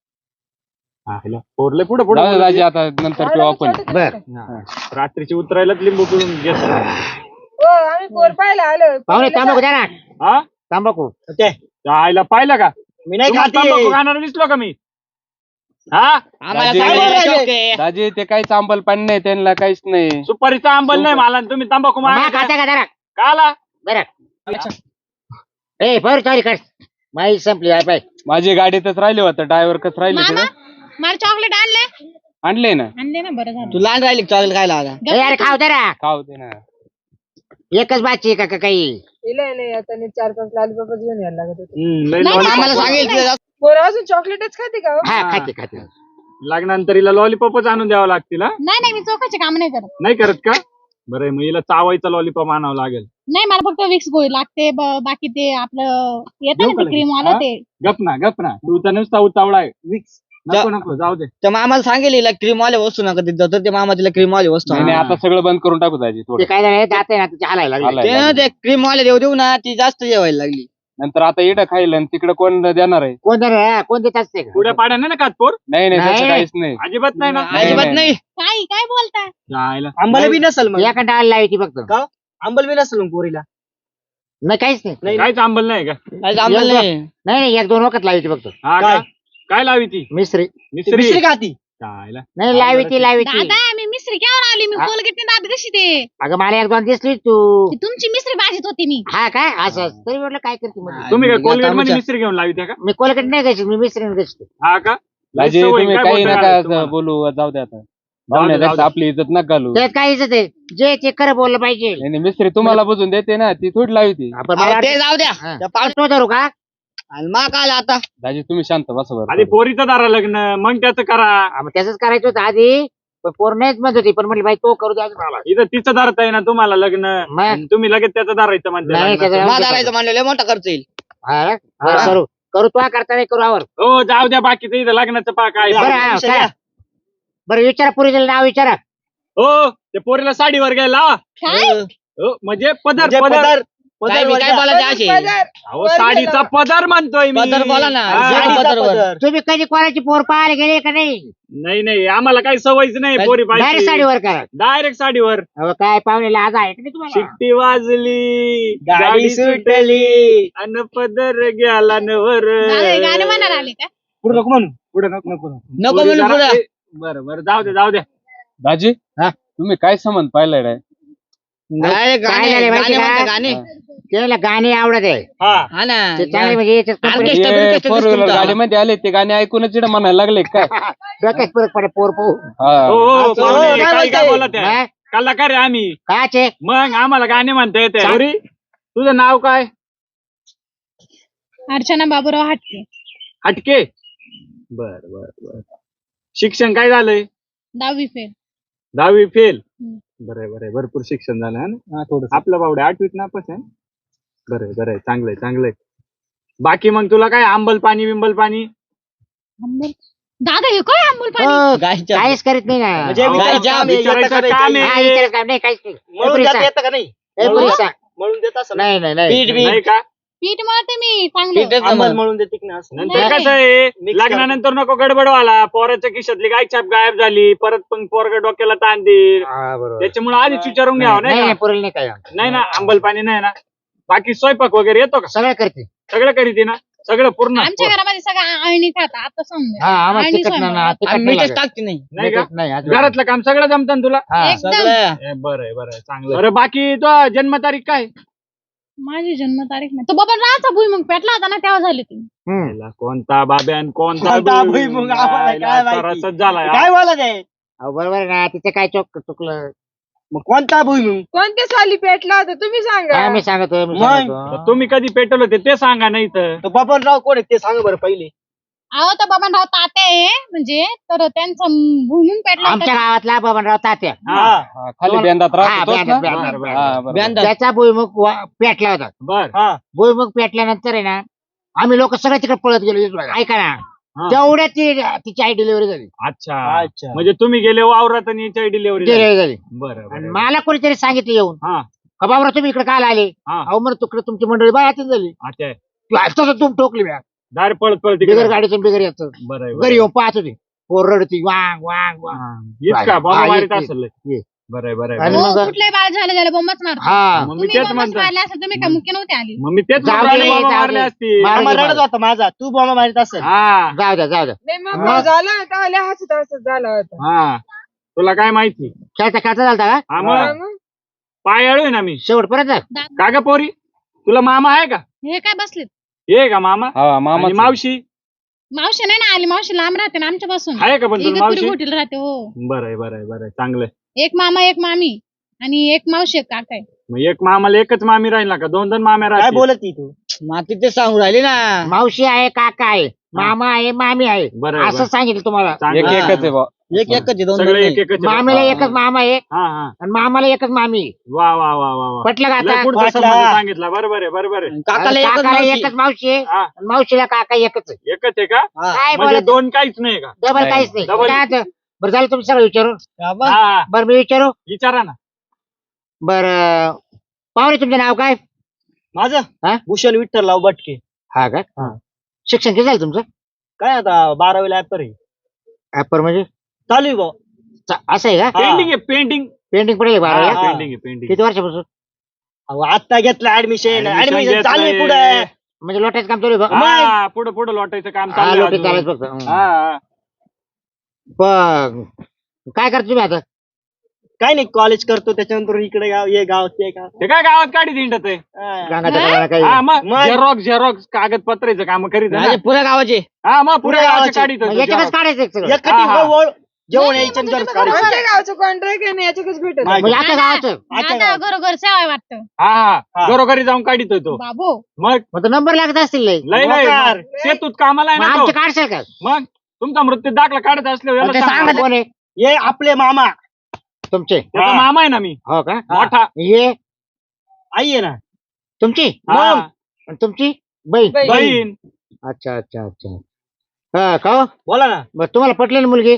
Speaker 5: पोरले पुढे पुढे
Speaker 6: दाजी आता नंतर पिऊ आपण
Speaker 1: बर
Speaker 5: रात्रीची उतरायलाच लिंबू पिळून घेत
Speaker 4: हो आम्ही पोर पाहायला आलो
Speaker 1: पाहुणे तांबाखू द्या ना
Speaker 5: हा
Speaker 1: तांबाखू
Speaker 5: आईला पाहिलं का
Speaker 2: मी नाही
Speaker 5: तुम्हाला
Speaker 2: खाते
Speaker 5: तंबाखू खाणारा दिसलो का मी हा
Speaker 2: आम्हाला
Speaker 6: दाजी-
Speaker 2: सांगायला शौक आहे.
Speaker 6: दाजी ते काहीच आंबल पाणी नाही त्यांना काहीच नाही
Speaker 5: सुपारीचा आंबल नाही मला आणि तुम्ही तंबाखू
Speaker 1: मा
Speaker 5: मागा
Speaker 1: खाता का जरा
Speaker 5: का आला
Speaker 1: बरं ए बरं सॉरी कर माई संपली आहे पाय
Speaker 6: माझी गाडीतच राहिले होतं ड्रायव्हर कस राहिले
Speaker 3: मामा
Speaker 6: तिथे
Speaker 3: मला चॉकलेट आणले
Speaker 6: आणले ना
Speaker 3: आणले ना बरं झालं
Speaker 2: तू लहान राहिली चॉकलेट खायला आता
Speaker 1: ए अरे खाऊ दे ना
Speaker 6: खाऊ दे ना
Speaker 1: एकच बाची का काही
Speaker 4: इलाय नाही आता 4-5 लालबाबच घेऊन यायला लागत होते
Speaker 3: नाही,
Speaker 2: आम्हाला सांगेल
Speaker 4: पोर अजून चॉकलेटच खाते का हो?
Speaker 1: हा खाते खाते
Speaker 5: लग्नानंतर हिला लॉलीपॉपच आणून द्यावं लागतील हा?
Speaker 3: नाही मी चौकाचे काम नाही करत
Speaker 5: नाही करत का बरं मग हिला चावायचा लॉलीपॉप आणावं लागेल
Speaker 3: नाही मला फक्त विक्स गोळी लागते बाकी ते आपलं येतं
Speaker 5: देऊ
Speaker 3: ना
Speaker 5: का
Speaker 3: ते क्रीम
Speaker 5: लगेच?
Speaker 3: आलं
Speaker 5: हा?
Speaker 3: ते
Speaker 5: गप ना तू तर नुसता उतावळा आहे
Speaker 2: विक्स
Speaker 5: नको नको जाऊ दे
Speaker 2: तर आम्हाला सांगेल हिला क्रीम वाले वस्तू नका देत जाऊ तर ते मामा तिला क्रीम वाले वस्तू
Speaker 6: नाही
Speaker 2: आणून
Speaker 6: नाही, आता सगळं बंद करून टाकू दाजी
Speaker 1: ते
Speaker 6: थोडं
Speaker 1: काय झालं जाते ना तिच्या हालायला लागले
Speaker 6: हालायला
Speaker 2: ते ना
Speaker 6: लागलं.
Speaker 2: ते क्रीम वाले देऊ ना ती जास्त जेवायला लागली
Speaker 6: नंतर आता इडं खाईल आणि तिकडे कोण देणार आहे
Speaker 1: कोण देत असते का?
Speaker 5: पुढे पाड्या नाही ना खात पोर
Speaker 6: नाही नाही
Speaker 1: नाही.
Speaker 6: तसं काहीच नाही
Speaker 5: अजिबात नाही ना
Speaker 6: नाही,
Speaker 2: अजिबात
Speaker 6: नाही.
Speaker 2: नाही
Speaker 3: काय बोलताय
Speaker 5: जायला.
Speaker 2: आंबाला बी नसल मग
Speaker 1: एका डाळ लावायची फक्त
Speaker 2: का? आंबल बी नसल मग पोरीला
Speaker 1: नाही काहीच नाही
Speaker 5: काहीच आंबल नाही का
Speaker 2: आंबल नाही
Speaker 1: नाही 1-2 वखत लावायची फक्त
Speaker 5: हा
Speaker 2: काय?
Speaker 5: का काय लावी ती
Speaker 1: मिसरी
Speaker 5: मिस्त्री
Speaker 2: मिश्री खाती
Speaker 5: जायला.
Speaker 1: नाही लावायची
Speaker 3: दादा मी मिस्त्री केव्हा आली मी
Speaker 1: हा?
Speaker 3: कोलगेट दाबी कशी ते
Speaker 1: अगं मला 1-2 दिसली तू
Speaker 3: ती तुमची मिस्त्री भाजीत होती मी
Speaker 1: हा काय असं तरी म्हटलं काय करते मध्ये?
Speaker 5: तुम्ही काय
Speaker 2: आता
Speaker 5: कोलगेट मध्ये
Speaker 2: आमच्या-
Speaker 5: मिस्त्री घेऊन लावी का
Speaker 1: मी कोलकट नाही घ्यायची मी मिसरी घ्यायची
Speaker 5: हा का
Speaker 6: दाजी
Speaker 5: सवय
Speaker 6: तुम्ही
Speaker 5: काय
Speaker 6: काही
Speaker 5: बोलता
Speaker 6: नका
Speaker 5: यार
Speaker 6: असं
Speaker 5: तुम्हाला?
Speaker 6: बोलू जाऊ दे आता
Speaker 5: जाऊ दे.
Speaker 6: पाहुण्यापेक्षा आपली इज्जत नका घालू
Speaker 1: त्यात काय इज्जत आहे जे ते खरं बोललं पाहिजे
Speaker 6: नाही नाही, मिस्त्री तुम्हाला बुजून देते ना ती थोडी लावी ती
Speaker 1: आपण मला
Speaker 2: ते जाऊ द्या
Speaker 1: हा.
Speaker 2: त्या पाऊस
Speaker 1: पाऊस धरू का
Speaker 2: आणि मग आला आता
Speaker 6: दाजी तुम्ही शांत बसा बरं
Speaker 5: आधी पोरीचं दारा लग्न मग त्याचं करा
Speaker 1: हा, मग त्याच करायचं होतं आधी पण पोर नाहीच म्हणत होती पण म्हटलं बाई तो करू द्या मला
Speaker 5: इथं तिचं दारत आहे ना तुम्हाला लग्न
Speaker 1: मग
Speaker 5: आणि तुम्ही लगेच त्याचं दारायचं म्हणते
Speaker 1: नाही,
Speaker 5: लग्नाचं.
Speaker 1: त्याचं-
Speaker 2: माधारायचं म्हणलं लय मोठा खर्च येईल
Speaker 1: हा, बरं,
Speaker 5: हा.
Speaker 1: करू तो करता नाही करू आवर
Speaker 5: हो जाऊ द्या बाकीचं इथं लग्नाचं पा काय
Speaker 1: बरं हा,
Speaker 2: विषय
Speaker 1: करा.
Speaker 2: द्या.
Speaker 1: बरं विचारा पुरीचं नाव विचारा
Speaker 5: हो ते पोरीला साडीवर गेला
Speaker 3: काय
Speaker 5: हो म्हणजे पदर
Speaker 2: म्हणजे
Speaker 5: पदर
Speaker 2: काय बी काय बोलायचं असे
Speaker 5: अहो साडीचा पदर म्हणतोय मी
Speaker 2: पदर बोला ना
Speaker 5: हा.
Speaker 2: साडीचा पदर.
Speaker 1: तुम्ही कधी कोणाची पोर पाहायला गेले का नाही
Speaker 5: नाही आम्हाला काही सवयच नाही पोरी
Speaker 1: डायरेक्ट
Speaker 5: पाहिजे
Speaker 1: साडीवर करा
Speaker 5: डायरेक्ट साडीवर
Speaker 1: अहो, काय पाहुण्याला आज आहे का नाही तुम्हाला
Speaker 5: शिट्टी वाजली
Speaker 2: गाडी सुटली
Speaker 5: अन पदर गेला नवर
Speaker 3: दादा, हे गाणे म्हणायला आले का
Speaker 2: पुढे नको म्हणू
Speaker 5: पुढे नको नको
Speaker 2: नको
Speaker 5: पोरी
Speaker 2: म्हणू
Speaker 5: जरा-
Speaker 2: पुढे
Speaker 5: बरं बरं जाऊ दे
Speaker 6: दाजी
Speaker 1: हा?
Speaker 6: तुम्ही काय संबंध पाहिलाय रे
Speaker 2: काय
Speaker 1: काय झालंय माहिती
Speaker 2: गाणे
Speaker 1: का?
Speaker 2: गाणे
Speaker 1: त्याला गाणे आवडत आहे
Speaker 5: हा
Speaker 2: हा ना
Speaker 1: ते चांगले म्हणजे याच्यात company-
Speaker 2: Orchestra बिर्केस्ट्रा
Speaker 6: फोर
Speaker 2: दिसतो
Speaker 6: व्हीलर
Speaker 2: तुमचा.
Speaker 6: गाडीमध्ये आले ते गाणे ऐकूनच इकडे म्हणायला लागले काय
Speaker 1: डोक्यात फरक पडे पोर पाहू
Speaker 6: हा
Speaker 5: हो
Speaker 2: असं,
Speaker 5: पाहुणे,
Speaker 2: हो, काय
Speaker 5: काय
Speaker 2: बोलताय?
Speaker 5: बोलत आहे
Speaker 1: हा?
Speaker 5: कल्ला का रे आम्ही
Speaker 1: काचे
Speaker 5: मग आम्हाला गाणे म्हणता येते पोरी तुझं नाव काय
Speaker 3: अर्चना बाबूराव हटके
Speaker 5: हटके बर शिक्षण काय झालंय
Speaker 3: 10वी फेल
Speaker 5: 10वी फेल
Speaker 3: हम्म.
Speaker 5: बरं भरपूर शिक्षण झालं है ना थोडं आपलं बावडे 8वीत नापास आहे बरं चांगलंय बाकी मग तुला काय आंबल पाणी बिंबल पाणी
Speaker 3: आंबल दादा हे काय आंबल पाणी
Speaker 1: हो,
Speaker 2: गायच्या-
Speaker 1: काहीच करीत नाही ना
Speaker 2: म्हणजे
Speaker 5: अहो,
Speaker 2: विचारायचं
Speaker 5: काय
Speaker 2: आम्ही
Speaker 5: विचारायचं
Speaker 2: येतं का
Speaker 5: काम
Speaker 2: नाही?
Speaker 1: हा,
Speaker 5: आहे?
Speaker 1: विचारायचं काम नाही काहीच नाही
Speaker 2: म्हणून
Speaker 1: पुरी
Speaker 2: देता
Speaker 1: सांग.
Speaker 2: येतं का नाही
Speaker 1: ए, पुरी सांग.
Speaker 2: म्हणून देत असं
Speaker 1: नाही
Speaker 2: पीठ बी
Speaker 5: नाही का
Speaker 3: पीठ मळते मी चांगलं
Speaker 2: आंबल म्हणून देते की नाही असं
Speaker 5: नंतर
Speaker 3: नाही.
Speaker 5: कसं आहे
Speaker 2: Mix
Speaker 5: लग्नानंतर नको गडबडवाला पोराच्या खिशातली गाय छाप गायब झाली परत पण पोरग डोक्याला ताण देईल
Speaker 1: हा, बरोबर.
Speaker 5: त्याच्यामुळे आधीच विचारून घ्यावं
Speaker 1: नाही
Speaker 5: नाही
Speaker 1: नाही
Speaker 5: का?
Speaker 1: पुरेल नाही काय
Speaker 5: नाही ना आंबल पाणी नाही ना बाकी स्वयंपाक वगैरे येतो का
Speaker 1: सगळं करते
Speaker 5: सगळं करीते ना सगळं पूर्ण
Speaker 3: आमच्या घरामध्ये सगळं आळणी खात आता समजा
Speaker 1: हा आम्हाला
Speaker 3: आणि
Speaker 1: तिखट नाही ना,
Speaker 3: स्वयंपाक.
Speaker 1: तिखट
Speaker 2: आम्ही
Speaker 1: नाही
Speaker 2: मीठच
Speaker 1: लागत.
Speaker 2: टाकते नाही
Speaker 5: नाही का
Speaker 1: तिखट नाही अजिबात.
Speaker 5: घरातलं काम सगळं जमतं ना तुला
Speaker 1: हा.
Speaker 3: एकदम
Speaker 2: सगळं
Speaker 5: बरं चांगलं बरं बाकी तो जन्मतारीख काय
Speaker 3: माझी जन्मतारीख नाही तो बाबा राहायचा भुईमुग पेटला होता ना तेव्हा झाली ती
Speaker 1: हम्म.
Speaker 5: याला कोणता बाब्यान
Speaker 2: कोणता भुईमुग? आम्हाला काय माहिती?
Speaker 5: रसच झालाय
Speaker 2: काय बोला ते
Speaker 1: अहो, बरोबर आहे ना तिथे काय चुकलं
Speaker 2: मग कोणता भुईमुग
Speaker 4: कोणत्या साली पेटला होता तुम्ही सांगा
Speaker 1: हा, मी सांगतो
Speaker 2: मग?
Speaker 5: तुम्ही कधी पेटवलं होते ते सांगा नाही तर
Speaker 2: तो बबनराव कोण आहे ते सांगा बरं पहिले
Speaker 3: अहो तर बाबांराव तात्या आहे म्हणजे तर त्यांचा भुईमुग पेटला
Speaker 1: आमच्या
Speaker 3: होता
Speaker 1: गावातला बबनराव तात्या
Speaker 5: हा
Speaker 6: हा, खाली बेंदात
Speaker 1: हा,
Speaker 6: राहतो तोच ना?
Speaker 1: बेंदात, बेंदात, बेंदात.
Speaker 6: हा, बरोबर.
Speaker 2: बेंदात.
Speaker 1: त्याचा भुईमुग पेटला होता
Speaker 5: बर
Speaker 2: हा
Speaker 1: भुईमुग पेटल्यानंतर आहे ना आम्ही लोक सगळं तिकडे पळत गेलो इथं. ऐका ना
Speaker 5: हा.
Speaker 1: तेवढ्यात तिची आई डिलिव्हरी झाली
Speaker 5: अच्छा म्हणजे तुम्ही गेले वावरात आणि याच्या डिलिव्हरी
Speaker 1: डिलिव्हरी झाली
Speaker 5: बरं
Speaker 1: आणि मला कोणीतरी सांगितलं येऊन
Speaker 5: हा
Speaker 1: का बाबरा तुम्ही इकडे काल आले
Speaker 5: हा
Speaker 1: अहो मग तिकडे तुमची मंडळी बाहेर झाली
Speaker 5: अच्छा
Speaker 1: तू असतं तू ठोकली बॅग
Speaker 5: दार पळत पळत
Speaker 1: बिगर
Speaker 5: तिकडे.
Speaker 1: गाडीतून बिगर याचं
Speaker 5: बरं आहे,
Speaker 1: घरी
Speaker 5: बरं आहे.
Speaker 1: येऊन पाहत होती पोर रडती वांग वांग वांग
Speaker 5: हा. येत का बाबा
Speaker 1: हा,
Speaker 5: मारित
Speaker 1: येत,
Speaker 5: असेल
Speaker 1: येत.
Speaker 5: बरं आहे, बरं आहे,
Speaker 1: आणि
Speaker 5: बरं आहे.
Speaker 1: मग-
Speaker 3: कुठल्याही बाळ झालं झालं बोंबच मारतो
Speaker 1: हा
Speaker 5: मग मी
Speaker 3: तुम्ही
Speaker 5: तेच
Speaker 3: बोंबच
Speaker 5: म्हणतो
Speaker 3: मारले असं तुम्ही काय मुख्य नव्हते आली
Speaker 5: मग मी तेच
Speaker 1: जाऊ
Speaker 5: म्हणतो,
Speaker 1: दे,
Speaker 5: अरे बाबा
Speaker 1: जाऊ
Speaker 5: मारले
Speaker 1: दे.
Speaker 5: असतील.
Speaker 1: मारू
Speaker 2: आम्हाला
Speaker 1: दे,
Speaker 2: रडत
Speaker 1: मारू
Speaker 2: होता माझा तू बॉम्ब मारित असेल
Speaker 5: हा
Speaker 1: जाऊ द्या जाऊ द्या
Speaker 4: नाही मग
Speaker 1: मग-
Speaker 4: भाऊ झाला होता आले हसत हसत झाला होता
Speaker 5: हा तुला काय माहिती
Speaker 1: खेळता खेळता झालता का
Speaker 5: हा
Speaker 4: हा
Speaker 5: मग
Speaker 4: मग.
Speaker 5: पाय अळू ना मी
Speaker 1: शेवटपर्यंत
Speaker 5: का ग पोरी तुला मामा आहे का
Speaker 3: हे काय बसलेत
Speaker 5: ये का मामा
Speaker 6: हा मामा
Speaker 5: आणि मावशी
Speaker 3: मावशी नाही ना आली मावशी लांब राहते ना आमच्यापासून
Speaker 5: आहे का पण तुला
Speaker 3: इगतपुरी
Speaker 5: मावशी
Speaker 3: घोटीला राहते हो
Speaker 5: बरं आहे, बरं आहे, बरं आहे, चांगलं आहे.
Speaker 3: एक मामा एक मामी आणि एक मावशी एक काका आहे
Speaker 5: मग एक मामाला एकच मामी राहील ना का दोन दोन माम्या
Speaker 2: काय
Speaker 5: राहतील
Speaker 2: बोलत ती तू माती ते सांगू राहिली ना
Speaker 1: मावशी आहे काका आहे मामा आहे मामी आहे
Speaker 5: बरं आहे,
Speaker 1: असं
Speaker 5: बरं.
Speaker 1: सांगितलं तुम्हाला
Speaker 5: चांगलं
Speaker 6: एक
Speaker 5: आहे.
Speaker 6: एकच आहे बा
Speaker 2: एक एकच आहे, दोन दोन
Speaker 5: सगळे
Speaker 2: नाही.
Speaker 5: एक एकच आहे.
Speaker 1: मामीला
Speaker 6: हा.
Speaker 1: एकच मामा आहे
Speaker 5: हा हा
Speaker 1: आणि मामाला एकच मामी
Speaker 5: वा वा वा वा वा
Speaker 1: पटलं का
Speaker 5: लय
Speaker 1: आता
Speaker 5: पुढचा
Speaker 2: वाटला.
Speaker 5: संबंध सांगितला बरोबर आहे बरोबर आहे
Speaker 2: काकाला
Speaker 1: आणि
Speaker 2: एकच
Speaker 1: काकाला
Speaker 2: मावशी.
Speaker 1: एकच मावशी आहे
Speaker 5: हा
Speaker 1: आणि मावशीला काका एकच आहे
Speaker 5: एकच आहे का
Speaker 2: हा.
Speaker 1: काय
Speaker 5: म्हणजे
Speaker 1: बोलत
Speaker 5: दोन काहीच नाही का
Speaker 1: डबल
Speaker 6: नाही.
Speaker 1: काहीच नाही
Speaker 5: डबल.
Speaker 1: काय आता? बरं झालं तुम्ही सगळं विचारू
Speaker 2: का बा?
Speaker 5: हा
Speaker 1: बरं मी विचारू
Speaker 5: विचारा ना
Speaker 1: बरं पाहुणे तुमचं नाव काय हा?
Speaker 2: माझं भूषण विठ्ठलराव बटके
Speaker 1: हा का शिक्षण किती झालं तुमचं
Speaker 2: काय आता 12वीला ऍपर आहे
Speaker 1: ऍपर म्हणजे
Speaker 2: चालू आहे भाऊ
Speaker 1: असं आहे का
Speaker 2: हा.
Speaker 5: पेंटिंग आहे पेंटिंग
Speaker 1: पेंटिंग पडेल बाराला
Speaker 2: हा.
Speaker 5: पेंटिंग आहे पेंटिंग
Speaker 1: किती वर्षापासून
Speaker 2: अहो, आता घेतलं ऍडमिशन
Speaker 5: Admission
Speaker 2: ऍडमिशन चालू आहे
Speaker 5: घेतलंय.
Speaker 2: पुढे
Speaker 1: म्हणजे लोटायचं काम चालू आहे बघ.
Speaker 5: हा पुढे पुढे लोटायचं काम
Speaker 1: हा,
Speaker 5: चालू
Speaker 1: लोटायचं चालायचं फक्त
Speaker 5: हा हा.
Speaker 1: पण काय करता तुम्ही आता
Speaker 2: काय नाही कॉलेज करतो त्याच्यानंतर इकडे गाव ये गाव ते गाव
Speaker 5: ते काय गावात काढी दिंडत आहे
Speaker 2: हा.
Speaker 1: गांगाच्या कळाला काही
Speaker 5: हा मग
Speaker 2: मग.
Speaker 5: झेरॉक्स कागदपत्राचं काम करीत आहे
Speaker 2: माझे
Speaker 5: ना.
Speaker 2: पुऱ्या गावाचे
Speaker 5: हा मग पुढे
Speaker 2: पुऱ्या
Speaker 5: गावाचे
Speaker 2: गावाचे.
Speaker 5: काढीत
Speaker 1: मग
Speaker 5: होतो
Speaker 1: याच्यातच
Speaker 5: xerox.
Speaker 1: काढायचं एक सगळं
Speaker 2: एकटी
Speaker 5: हा, हा.
Speaker 2: जेवण
Speaker 3: नाही,
Speaker 2: यायचं
Speaker 3: म्हणजे
Speaker 2: जर
Speaker 3: तुम्ही
Speaker 2: काढायचं
Speaker 4: आमच्या गावचं कॉन्ट्रॅक्ट आहे ना याच्याकडेच भेटत
Speaker 2: नाही.
Speaker 1: म्हणजे आता गावाचं
Speaker 2: अच्छा
Speaker 3: दादा
Speaker 2: गाव.
Speaker 3: घरोघर सेवा वाटतं
Speaker 5: हा हा
Speaker 2: हा.
Speaker 5: घरोघरी जाऊन काढित होतो
Speaker 3: बाबू
Speaker 5: मग
Speaker 1: मग नंबर लागत असतील लय.
Speaker 5: लय लय
Speaker 2: मोकार.
Speaker 5: मग शेतूत कामाला आहे
Speaker 1: मग
Speaker 5: ना
Speaker 1: आमचे
Speaker 5: तो.
Speaker 1: काढशाल का
Speaker 5: मग तुमचा मृत्यू दाखला काढत असल्यावर
Speaker 1: मग ते
Speaker 5: याला
Speaker 1: सांगा
Speaker 5: सांगा.
Speaker 1: कोण आहे
Speaker 2: ये आपले मामा
Speaker 1: तुमचे
Speaker 5: त्याचा
Speaker 2: हा.
Speaker 5: मामा आहे ना मी
Speaker 1: हो का
Speaker 5: मोठा
Speaker 1: ये
Speaker 2: आई आहे ना
Speaker 1: तुमची
Speaker 5: हा.
Speaker 1: आणि तुमची बहीण
Speaker 4: बहीण.
Speaker 5: बहीण
Speaker 1: अच्छा अच्छा अच्छा हा का हो?
Speaker 2: बोला ना
Speaker 1: बरं तुम्हाला पटली ना मुलगी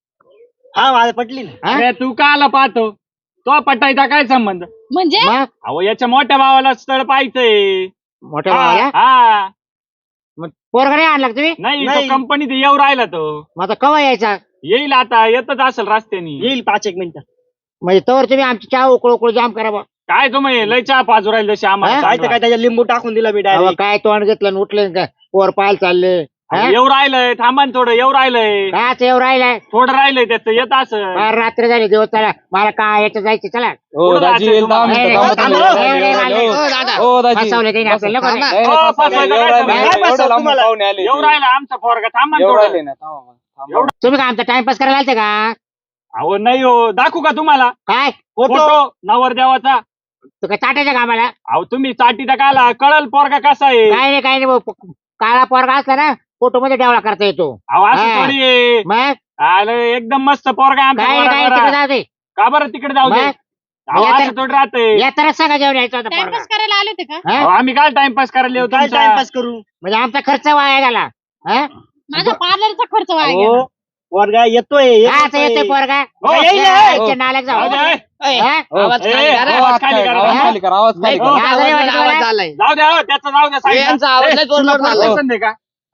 Speaker 2: हा माझ्या पटली ना
Speaker 1: हा?
Speaker 5: अरे तू का आला पाहतो तो पटायचा काय संबंध
Speaker 3: म्हणजे
Speaker 1: मग
Speaker 5: अहो याच्या मोठ्या भावाला स्थळ पाहायचंय
Speaker 1: मोठ्या
Speaker 2: हा.
Speaker 1: भावाला
Speaker 5: हा
Speaker 1: मग पोरगा नाही आणला का तुम्ही
Speaker 5: नाही तो
Speaker 2: नाही.
Speaker 5: कंपनीत येऊ राहिला तो
Speaker 1: मग आता कवा यायचा
Speaker 5: येईल आता येतच असेल रस्त्याने
Speaker 2: येईल 5-1 मिनिटं
Speaker 1: म्हणजे तवर तुम्ही आमची चहा उकळ उकळ जाम करा बा
Speaker 5: काय तुम्ही लय चहा पाजू राहील जशी आम्हाला
Speaker 1: हा?
Speaker 2: काय तर
Speaker 5: सांगा.
Speaker 2: काय त्याच्या लिंबू टाकून दिला मी
Speaker 1: अहो,
Speaker 2: डायरेक्ट
Speaker 1: काय तोंड घेतलं आणि उठले काय पोर पाहायला चालले हा?
Speaker 5: अहो, येऊ राहिलंय थांबा ना थोडं येऊ राहिलंय
Speaker 1: काच येऊ राहिलाय
Speaker 5: थोडं राहिलंय त्याचं येत असं
Speaker 1: फार रात्र झाली दिवस चला मला काय याचं जायचं चला
Speaker 6: हो
Speaker 5: पुढं
Speaker 6: दाजी
Speaker 5: जायचं
Speaker 6: येईल दहा
Speaker 5: तुम्हाला.
Speaker 6: मिनिटं
Speaker 1: नाही,
Speaker 6: थांबा
Speaker 1: नाही,
Speaker 6: तुम्ही.
Speaker 1: नाही, नाही, नाही,
Speaker 6: हो,
Speaker 1: दादा.
Speaker 6: हो दाजी
Speaker 1: फसवलं त्याने आपल्याला, नको नाही.
Speaker 6: नाही,
Speaker 5: हो,
Speaker 6: नाही,
Speaker 5: फसवायचं
Speaker 6: एवढं
Speaker 5: काय
Speaker 6: राहिले,
Speaker 5: सांगू?
Speaker 2: काय
Speaker 6: एवढं लांबून
Speaker 2: तुम्हाला?
Speaker 6: पाहुणे आले
Speaker 5: येऊ राहिला आमचा पोरगा थांबा ना
Speaker 6: एवढं
Speaker 5: थोडं.
Speaker 6: राहिले ना थांबा, थांबा.
Speaker 1: तुम्ही काय आमचा टाइमपास करायला आलते का
Speaker 5: अहो नाही हो दाखवू का तुम्हाला
Speaker 1: काय
Speaker 5: फोटो नवरदेवाचा
Speaker 1: तू काय चाटायच्या कामाला
Speaker 5: अहो तुम्ही चाटीचा काला कळल पोरगा कसा आहे
Speaker 1: काय नाही भाऊ. काळा पोरगा असला ना फोटो मध्ये डेवळा करता येतो
Speaker 5: अहो असं
Speaker 1: हा.
Speaker 5: थोडी आहे.
Speaker 1: मग
Speaker 5: आलं एकदम मस्त पोरगा आमचा
Speaker 1: काय
Speaker 5: पोरगा
Speaker 1: नाही तिकडे
Speaker 5: बरा.
Speaker 1: जाऊ दे
Speaker 5: का बरं तिकडे जाऊ दे
Speaker 1: मग?
Speaker 5: अहो,
Speaker 1: या तर-
Speaker 5: असं थोडी राहते
Speaker 1: या तरच सांगा जेवण यायचं होतं पोरगा
Speaker 3: टाइमपास करायला आले होते का
Speaker 1: हा?
Speaker 5: आम्ही काय टाइमपास करायला येऊ
Speaker 2: काय
Speaker 5: तुमचा?
Speaker 2: टाइमपास करू
Speaker 1: म्हणजे आमचा खर्च वाया गेला हा?
Speaker 3: माझा पार्लरचा खर्च वाया
Speaker 2: हो
Speaker 3: गेला
Speaker 2: वर्गा येतोय
Speaker 1: काचा येतोय पोरगा
Speaker 5: हो,
Speaker 2: येईल,
Speaker 1: यायचे नालायक
Speaker 5: जाऊ
Speaker 1: जाऊ
Speaker 5: दे,
Speaker 1: हा?
Speaker 2: आवाज
Speaker 5: ए,
Speaker 2: खाली करा.
Speaker 5: आवाज खाली करा.
Speaker 6: आवाज खाली करा, आवाज खाली
Speaker 5: हो,
Speaker 6: करा.
Speaker 1: या जरी वाटलं मला.
Speaker 2: झालाय
Speaker 5: जाऊ द्या हो, त्याचं जाऊ द्या साईडला.
Speaker 2: यांचा आवाज
Speaker 5: ए,
Speaker 2: लय
Speaker 5: तुला
Speaker 2: जोरदार
Speaker 5: पोर
Speaker 2: झाला.
Speaker 5: पसंत आहे का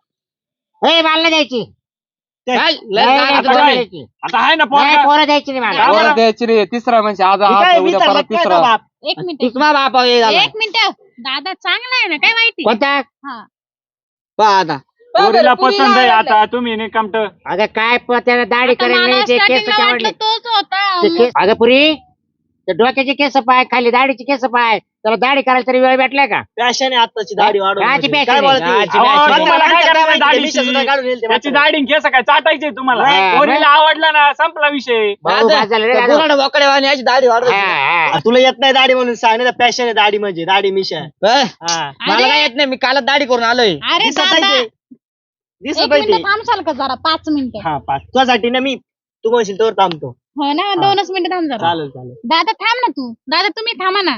Speaker 1: ए, मला नाही द्यायची
Speaker 2: काय?
Speaker 1: नाही,
Speaker 2: लय
Speaker 1: नाही,
Speaker 2: गाणं
Speaker 5: आता
Speaker 1: पोरं
Speaker 5: काय?
Speaker 1: द्यायची.
Speaker 5: आता आहे ना
Speaker 1: नाही,
Speaker 5: पोरगा
Speaker 1: पोरं द्यायची नाही मला
Speaker 5: का बरं?
Speaker 6: एवढं द्यायची रे तिसरा म्हणजे आज
Speaker 2: हे
Speaker 6: आज
Speaker 2: काय
Speaker 6: उद्या
Speaker 2: विचारलं
Speaker 6: परत
Speaker 2: काय
Speaker 6: तिसरा
Speaker 2: बाप?
Speaker 3: एक मिनिट
Speaker 2: तिसरा बाप आहे झाला.
Speaker 3: एक मिनिट दादा चांगला आहे ना काय माहिती
Speaker 1: कोणता
Speaker 3: हा
Speaker 2: पहा आता
Speaker 5: पोरीला
Speaker 4: पुरीला
Speaker 5: पसंत आहे
Speaker 4: आवडलं.
Speaker 5: आता तुम्ही नाही कमट
Speaker 1: अगं काय त्याला दाढी
Speaker 3: आता
Speaker 1: करेल
Speaker 3: मला
Speaker 1: नाही ते केस
Speaker 3: starting ला
Speaker 1: आवडले
Speaker 3: वाटलं तोच होता
Speaker 1: ते केस अगं पुरी ते डोक्याचे केस पाय खाली दाढीचे केस पाय त्याला दाढी करायला तरी वेळ भेटलाय का
Speaker 2: पॅशन आहे आताची दाढी वाढवून
Speaker 1: काची
Speaker 2: म्हणजे.
Speaker 1: passion
Speaker 2: काय
Speaker 1: आहे?
Speaker 2: बोलती?
Speaker 1: काची
Speaker 2: अहो,
Speaker 1: passion आहे?
Speaker 2: तुम्हाला काय
Speaker 5: काय
Speaker 2: करायचं
Speaker 5: करायचं
Speaker 2: दाढी?
Speaker 5: दाढीची?
Speaker 2: मिशा सुद्धा काढून येईल ते
Speaker 5: त्याची
Speaker 2: म्हातारं.
Speaker 5: दाढी केस काय चाटायचे तुम्हाला
Speaker 1: हा,
Speaker 5: पोरीला आवडला ना संपला विषय
Speaker 1: भाऊ,
Speaker 2: दादा,
Speaker 1: बाद झालं रे
Speaker 2: त्या
Speaker 1: दादा.
Speaker 2: गुराढ बोकड्यावानी याची दाढी वाढवत
Speaker 1: हा,
Speaker 2: नाही.
Speaker 1: हा.
Speaker 2: तुला येत नाही दाढी म्हणून सांग नाही पॅशन आहे दाढी म्हणजे दाढी मिशा हा.
Speaker 3: मला काय
Speaker 2: येत नाही मी कालच दाढी करून आलोय
Speaker 3: अरे दादा एक
Speaker 2: दिसत
Speaker 3: मिनिट
Speaker 2: नाही
Speaker 3: थांबसाल का जरा 5 मिनिटं
Speaker 2: हा पाच तुझ्यासाठी ना मी तू म्हणशील तर थांबतो
Speaker 3: हो ना 2च मिनिटं थांब जरा
Speaker 2: चालेल चालेल
Speaker 3: दादा थांब ना तू दादा तुम्ही थांबा ना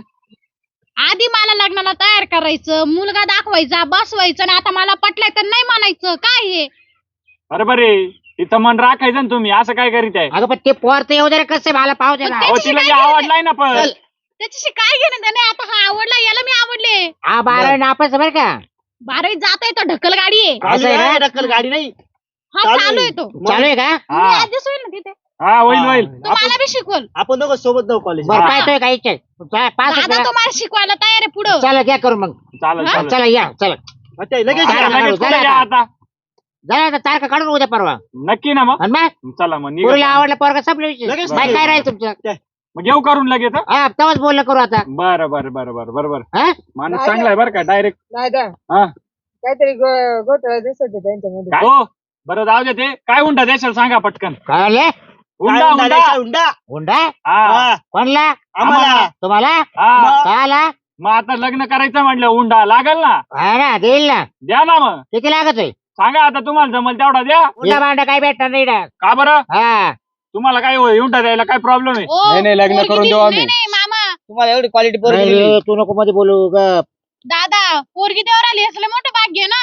Speaker 3: आधी मला लग्नाला तयार करायचं मुलगा दाखवायचा बसवायचं आणि आता मला पटलाय तर नाही म्हणायचं काय हे
Speaker 5: बरोबर आहे तिचं मन राखायचं ना तुम्ही असं काय करीत आहे
Speaker 1: अगं पण ते पोर तर येऊ दे रे, कसं मला पाहू दे ना
Speaker 3: पण
Speaker 5: अहो तिला जे आवडलाय ना पण
Speaker 3: त्याच्याशी काय घेणं त्याने आता हा आवडला याला मी आवडले
Speaker 1: हा 12 नापास बरं का
Speaker 3: 12वी जात आहे तो ढकल गाडी आहे.
Speaker 1: असं आहे का?
Speaker 2: टक्कल गाडी नाही
Speaker 3: हा
Speaker 2: चालू
Speaker 3: चालू आहे
Speaker 2: आहे.
Speaker 3: तो.
Speaker 1: चालू आहे का?
Speaker 3: मी ऍडजस्ट होईल ना तिथे.
Speaker 5: हा होईल होईल.
Speaker 3: तो मला बी शिकवल.
Speaker 2: आपण दोघं सोबत जाऊ कॉलेज
Speaker 1: बरं पाहतोय का इच्छा पाच
Speaker 3: दादा तो मला शिकवायला तयार आहे पुढं.
Speaker 1: चला घ्या करू मग
Speaker 5: चालेल चालेल.
Speaker 1: चला या चला
Speaker 2: लगेच
Speaker 1: चला,
Speaker 2: या.
Speaker 5: लगेच
Speaker 1: चला,
Speaker 5: पुढे या आता.
Speaker 1: झाला आता तारखा काढून उद्या परवा
Speaker 5: नक्की ना मग.
Speaker 1: आणि मग
Speaker 5: चला मग निघा.
Speaker 1: पुरीला आवडला पोरगा संपला विषय
Speaker 2: लगेच
Speaker 1: बाई काय राहील तुमचं
Speaker 5: मग घेऊ करून लगेच हं?
Speaker 1: हा तेव्हाच बोलणं करू आता
Speaker 5: बरं बरं बरं बरं बरोबर.
Speaker 1: हा
Speaker 5: माणूस चांगला आहे बरं का डायरेक्ट.
Speaker 4: दादा
Speaker 5: हा
Speaker 4: काहीतरी घोटाळा दिसत होता त्यांच्यामध्ये.
Speaker 5: काय हो बरं जाऊ दे ते काय हुंडा देशाल सांगा पटकन.
Speaker 1: कळले
Speaker 5: हुंडा हुंडा.
Speaker 2: हुंडा
Speaker 1: हुंडा
Speaker 5: हा
Speaker 1: कोणला
Speaker 2: आम्हाला
Speaker 1: तुम्हाला
Speaker 5: हा.
Speaker 1: काला
Speaker 5: मग आता लग्न करायचं म्हटलं हुंडा लागल ना.
Speaker 1: हा ना देईल ना
Speaker 5: द्या ना मग.
Speaker 1: किती लागतोय
Speaker 5: सांगा आता तुम्हाला जमल तेवढा द्या.
Speaker 1: हुंडा भांडा काय भेटणार नाही ना
Speaker 5: का बरं
Speaker 1: हा
Speaker 5: तुम्हाला काय हुंडा द्यायला काय प्रॉब्लेम आहे.
Speaker 3: ओ,
Speaker 6: नाही, नाही, लग्न
Speaker 3: पोरगी
Speaker 6: करून
Speaker 3: दिली.
Speaker 6: देऊ आम्ही.
Speaker 3: नाही नाही मामा
Speaker 2: तुम्हाला एवढी क्वालिटी
Speaker 1: नाही
Speaker 2: पोरगी
Speaker 1: रे, तू नको मध्ये बोलू गप
Speaker 3: दादा पोरगी देवर आली असलं मोठं भाग्य आहे ना.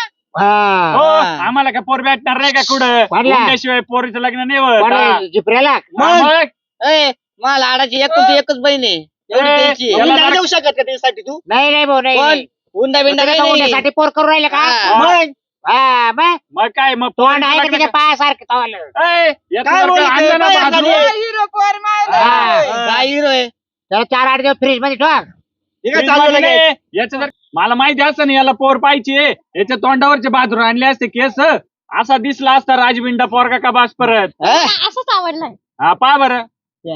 Speaker 1: हा
Speaker 5: हो आम्हाला काय पोर भेटणार नाही का कुठं
Speaker 1: वाढला.
Speaker 5: हुंड्याशिवाय पोरीचं लग्न नाही होत.
Speaker 1: कोणाला?
Speaker 5: हा.
Speaker 1: जिपऱ्याला
Speaker 5: मग
Speaker 2: मला लाडाची एकच बहीण आहे एवढी
Speaker 5: ए,
Speaker 2: द्यायची.
Speaker 5: याला
Speaker 2: हुंडा
Speaker 5: जरा-
Speaker 2: देऊ शकत का त्यासाठी तू
Speaker 1: नाही नाही भाऊ नाही
Speaker 2: पण
Speaker 1: नाही.
Speaker 2: हुंडा बिंडा
Speaker 1: तुम्ही
Speaker 2: काही
Speaker 1: का
Speaker 2: नाही.
Speaker 1: हुंड्यासाठी पोर करू राहिले का
Speaker 2: हा.
Speaker 5: मग
Speaker 1: हा मग
Speaker 5: मग काय मग
Speaker 1: तोंड आहे का
Speaker 5: लग्न
Speaker 1: त्याच्या पायासारखं तवालं?
Speaker 5: ए, याचं
Speaker 2: काय
Speaker 5: जर का
Speaker 2: बोलते?
Speaker 5: आणलं ना
Speaker 2: काय
Speaker 5: भाजून,
Speaker 2: झाली?
Speaker 4: हिरो पोर मारला.
Speaker 1: हा.
Speaker 2: काय हिरो आहे
Speaker 1: त्याला 4-8 दिवस फ्रीज मध्ये ठेवा
Speaker 2: हे काय
Speaker 5: फ्रीज
Speaker 2: चालू
Speaker 5: मध्ये
Speaker 2: लगेच?
Speaker 5: नाही. याचं जर मला माहिती असतं ना याला पोर पाहिजे याच्या तोंडावरचे बाजून आणले असते केस असा दिसला असता राजबिंडा पोरगा का बास परत.
Speaker 2: हा?
Speaker 3: मला असंच आवडलंय.
Speaker 5: हा पा बरं.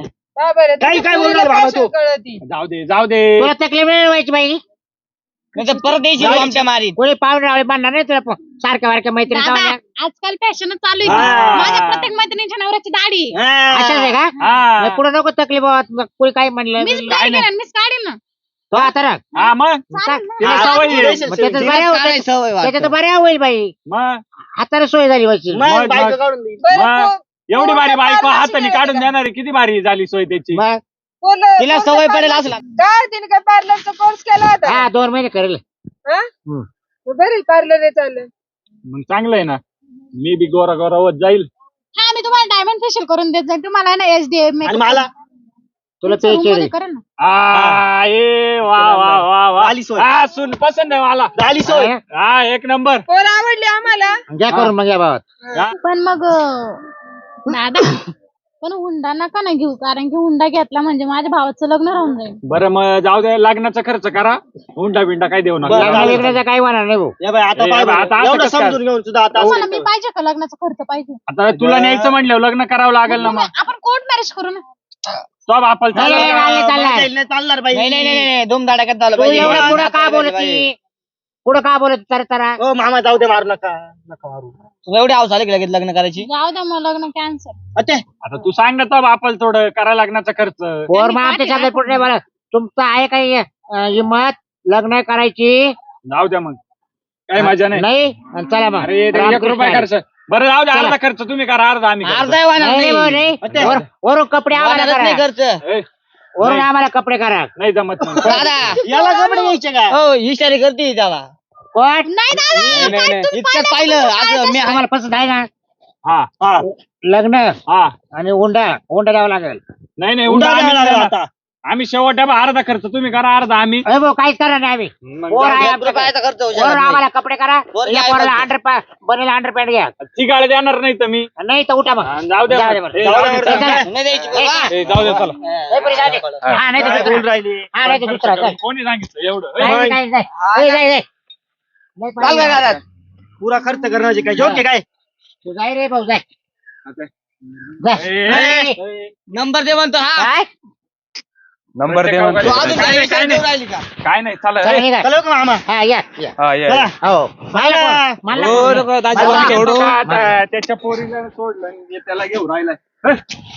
Speaker 4: हा बरं
Speaker 2: काय- काय बोलणार बाबा तू?
Speaker 4: कळती.
Speaker 5: जाऊ दे जाऊ दे.
Speaker 1: तुला तकलीफ नाही व्हायची बाई
Speaker 2: नाही तर परत द्यायची तू आमच्या मारीत.
Speaker 1: कोणी पाहुणे मानणार नाही तुला सारख्या वारख्या मैत्रिणी
Speaker 3: दादा
Speaker 1: जाऊन
Speaker 3: आजकाल फॅशन चालू आहे.
Speaker 2: हा.
Speaker 3: माझ्या प्रत्येक मैत्रिणीच्या नवऱ्याची दाढी आहे.
Speaker 1: अशाच आहे का
Speaker 5: हा
Speaker 1: पुढे नको तकलीफ होत मग कोणी काही म्हणलं
Speaker 3: मीच
Speaker 1: बिनलं.
Speaker 3: काय केलं मीच काढीन ना.
Speaker 1: तो आता राख.
Speaker 5: हा मग
Speaker 3: चालेल ना.
Speaker 5: तिला
Speaker 2: हा,
Speaker 5: सवय आहे.
Speaker 2: relationship.
Speaker 1: मग त्याच्यात
Speaker 2: तिला
Speaker 1: बऱ्या होतं.
Speaker 2: काय सवय वाटतं?
Speaker 1: त्याच्यात बऱ्या होईल बाई
Speaker 5: मग
Speaker 1: हाताला सोय झाली व्हायची
Speaker 2: मग
Speaker 5: मग-
Speaker 2: बायको
Speaker 5: मग-
Speaker 2: काढून देईल.
Speaker 4: बरं,
Speaker 5: मग
Speaker 4: पो-
Speaker 5: एवढी भारी
Speaker 4: पोरं
Speaker 5: बायको
Speaker 4: पार
Speaker 5: हाताने
Speaker 4: नशिबाने
Speaker 5: काढून
Speaker 4: का?
Speaker 5: देणार आहे. किती भारी झाली सोय त्याची.
Speaker 1: मग
Speaker 2: तिला सवय पडेल असं लागतं.
Speaker 4: काय तिने काय पार्लरचा कोर्स केला होता
Speaker 1: हा 2 महिने करेल
Speaker 4: हा? बरं पार्लर आहे चाललं.
Speaker 5: मग चांगलं आहे ना मी बी गोरा गोरा होत जाईल.
Speaker 3: हा मी तुम्हाला डायमंड फेशियल करून देत जाईल. तुम्हाला ना एचडीएम
Speaker 2: आणि मला
Speaker 1: तुला ते केली
Speaker 3: करेन ना.
Speaker 5: ए वा वा वा वा
Speaker 2: झाली सोय.
Speaker 5: हा सुन पसंत आहे मला.
Speaker 2: झाली सोय.
Speaker 5: हा एक नंबर.
Speaker 4: पोर आवडली आम्हाला.
Speaker 1: घ्या करून मग या भावात
Speaker 3: पण मग दादा पण हुंडा नका ना घेऊ कारण की हुंडा घेतला म्हणजे माझ्या भावाचं लग्न राहून जाईल.
Speaker 5: बरं मग जाऊ दे लग्नाचा खर्च करा हुंडा बिंडा काय देऊ
Speaker 2: बरं,
Speaker 5: नका.
Speaker 1: लग्न
Speaker 2: चालेल.
Speaker 1: बिग्नाचं काही होणार नाही भाऊ
Speaker 2: या बाई, आता
Speaker 5: ए,
Speaker 2: पाय
Speaker 5: बाई,
Speaker 2: बरं.
Speaker 5: आता असं
Speaker 2: एवढं
Speaker 5: कसं काय?
Speaker 2: समजून घेऊन सुद्धा आता असं
Speaker 3: तुम्हाला मी
Speaker 2: करतो.
Speaker 3: पाहिजे का लग्नाचा खर्च पाहिजे.
Speaker 5: आता तुला न्यायचं म्हणलं लग्न करावं लागेल ना मग.
Speaker 3: आपण कोर्ट मॅरेज करू ना.
Speaker 5: तो बापाला
Speaker 1: नाही, नाही,
Speaker 5: चालला
Speaker 1: नाही,
Speaker 5: का?
Speaker 1: चालणार.
Speaker 2: नाही चालणार बाई. नाही नाही नाही धुमधडाक्यात झालं
Speaker 1: तू
Speaker 2: पाहिजे.
Speaker 1: एवढं पुढं का
Speaker 2: नाचायला
Speaker 1: बोलत
Speaker 2: पाहिजे.
Speaker 1: पुढं का बोलत तर
Speaker 2: हो मामा जाऊ दे मारू नका नका मारू. तुला एवढी हाऊस आली की लगेच लग्न करायची.
Speaker 3: जाऊ द्या मग लग्न कॅन्सल.
Speaker 2: अच्छा
Speaker 5: आता तू सांग ना तो बापाला थोडं करा लग्नाचा खर्च.
Speaker 1: पोर मग आमच्या शब्दात पुढे नाही बोला तुमचं आहे काही हिंमत लग्न करायची
Speaker 5: जाऊ द्या मग काही मजा नाही.
Speaker 1: नाही आणि चला मग
Speaker 5: अरे 1
Speaker 1: रामकृष्ण
Speaker 5: रुपये
Speaker 1: हरी.
Speaker 5: खर्च. बरं जाऊ दे
Speaker 1: चला.
Speaker 5: अर्धा खर्च तुम्ही करा अर्धा आम्ही करतो.
Speaker 2: अर्धा वाहणार
Speaker 1: नाही, नाही,
Speaker 2: नाही.
Speaker 1: नाही.
Speaker 2: अच्छा.
Speaker 1: वरून कपडे आम्हाला
Speaker 2: वाहणारच नाही
Speaker 1: करा
Speaker 2: खर्च.
Speaker 5: ए,
Speaker 1: वरून
Speaker 5: नाही.
Speaker 1: आम्हाला कपडे करा
Speaker 5: नाही जमत मग.
Speaker 2: दादा याला कपडे घ्यायचे का हो इशारे करते त्याला.
Speaker 1: कोण
Speaker 3: नाही दादा
Speaker 6: नाही,
Speaker 3: काय
Speaker 6: नाही.
Speaker 3: तुम्ही
Speaker 2: इतकं
Speaker 3: पाहिलं
Speaker 2: पाहिलं
Speaker 3: का
Speaker 2: असं मी
Speaker 1: आम्हाला पसंत आहे ना
Speaker 5: हा
Speaker 2: हा.
Speaker 1: लग्न
Speaker 5: हा
Speaker 1: आणि हुंडा द्यावा लागेल
Speaker 5: नाही नाही
Speaker 2: हुंडा
Speaker 5: हुंडा आम्ही
Speaker 2: द्यावा लागला
Speaker 5: देणार.
Speaker 2: आता.
Speaker 5: आम्ही शेवट डबा अर्धा खर्च तुम्ही करा अर्धा आम्ही.
Speaker 1: अरे भाऊ काहीच करा नाही आम्ही
Speaker 5: मग
Speaker 1: पोर
Speaker 5: जाऊ
Speaker 1: आहे
Speaker 5: दे.
Speaker 1: आमच्याकडे.
Speaker 2: रुपयाचा खर्च होऊ शकत
Speaker 1: वरून
Speaker 2: नाही.
Speaker 1: आम्हाला कपडे करा
Speaker 2: वर
Speaker 1: या
Speaker 2: काय
Speaker 1: पोराला
Speaker 2: म्हणतो?
Speaker 1: बनेल अंडरपॅन्ट घ्या
Speaker 5: ती गाडी देणार नाही तर मी.
Speaker 1: नाही तर उठा मग
Speaker 5: हा, जाऊ दे
Speaker 1: जाऊ दे
Speaker 5: मग.
Speaker 1: बरं.
Speaker 5: ए,
Speaker 2: जाऊ
Speaker 5: जाऊ
Speaker 2: दे,
Speaker 5: दे,
Speaker 2: जाऊ
Speaker 5: चला.
Speaker 2: दे. नाही द्यायची बाबा.
Speaker 5: ए, जाऊ दे चला.
Speaker 1: ए, बरं, जाऊ दे. हा नाही तर
Speaker 2: काय
Speaker 1: दुसरा.
Speaker 2: बोलून राहिली
Speaker 1: हा नाही तर दुसरा चल.
Speaker 5: कोणी सांगितलं एवढं.
Speaker 1: नाही,
Speaker 5: ए,
Speaker 1: नाही, नाही. ए, जाय, जाय. नाही
Speaker 2: चाल काय
Speaker 1: पाहिजे.
Speaker 2: घरात पुरा खर्च करण्याचे काय योग्य काय
Speaker 1: तू जाय रे भाऊ जाय
Speaker 5: आता.
Speaker 1: जाय.
Speaker 5: ए,
Speaker 1: ए,
Speaker 2: नंबर दे म्हणतो हा
Speaker 1: काय
Speaker 6: नंबर दे
Speaker 5: प्रत्येक
Speaker 6: म्हणतो.
Speaker 2: तू
Speaker 5: गावाला-
Speaker 2: अजून
Speaker 5: काय
Speaker 2: काही
Speaker 5: नाही,
Speaker 2: विचार
Speaker 5: काय
Speaker 2: देऊ
Speaker 5: नाही.
Speaker 2: राहिली का
Speaker 5: काय नाही चला
Speaker 1: चला
Speaker 5: ए.
Speaker 1: निघा.
Speaker 2: चला का मामा
Speaker 1: हा या या.
Speaker 6: हा ये
Speaker 2: चला.
Speaker 1: हो मला कोण? मला
Speaker 6: हो,
Speaker 1: कोण?
Speaker 6: नको, दाजी,
Speaker 1: मला
Speaker 6: मला
Speaker 1: कोण?
Speaker 6: सोडू.
Speaker 5: आता त्याच्या पोरीला सोडलं आणि त्याला घेऊन राहिलाय. ए,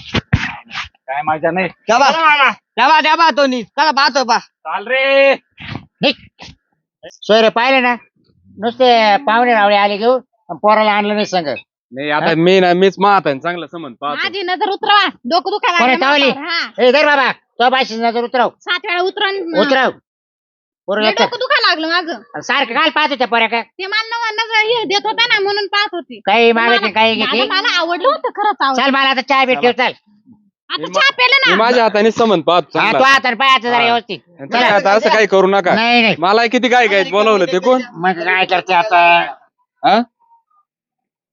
Speaker 5: काय मजा नाही.
Speaker 2: द्याबा द्याबा तो नी चला पाहतो पा
Speaker 5: चाल रे.
Speaker 1: निघ. सोयरे पाहिले ना नुसते पाहुणे रावळे आले घेऊन आणि पोराला आणलं नाही संग
Speaker 6: नाही आता मी ना मीच मात आहे चांगलं समज पाहतो.
Speaker 3: माझी नजर उतरवा डोकं दुखायला
Speaker 1: कोणी
Speaker 3: लागलं
Speaker 1: चावली?
Speaker 3: माझ्यावर. हा
Speaker 1: ए धर बाबा तो बाशी नजर उतरव
Speaker 3: 7 वेळा उतरवून
Speaker 1: उतरव पोरं
Speaker 3: लय
Speaker 1: लक्ष
Speaker 3: डोकं दुखायला लागलं माझं.
Speaker 1: सारखं काल पाहत होत्या पोऱ्या काय
Speaker 3: ते मला हे देत होता ना म्हणून पाहत होती.
Speaker 1: काही मागायचे काही
Speaker 3: दादा,
Speaker 1: घेते
Speaker 3: मला आवडलं होतं खरंच आवडलं.
Speaker 1: चल मला आता चहा भेट ठेव चल
Speaker 3: आता चहा पेलं
Speaker 6: मी
Speaker 3: ना.
Speaker 6: माझ्या हाताने समन पाहतो
Speaker 1: हा, तो
Speaker 6: चांगला.
Speaker 1: आता पायाचं जरा व्यवस्थित.
Speaker 6: तुम्ही आता असं काही करू नका.
Speaker 1: नाही नाही
Speaker 6: मला किती काय बोलवलं ते कोण?
Speaker 1: मग काय करते आता?
Speaker 6: हा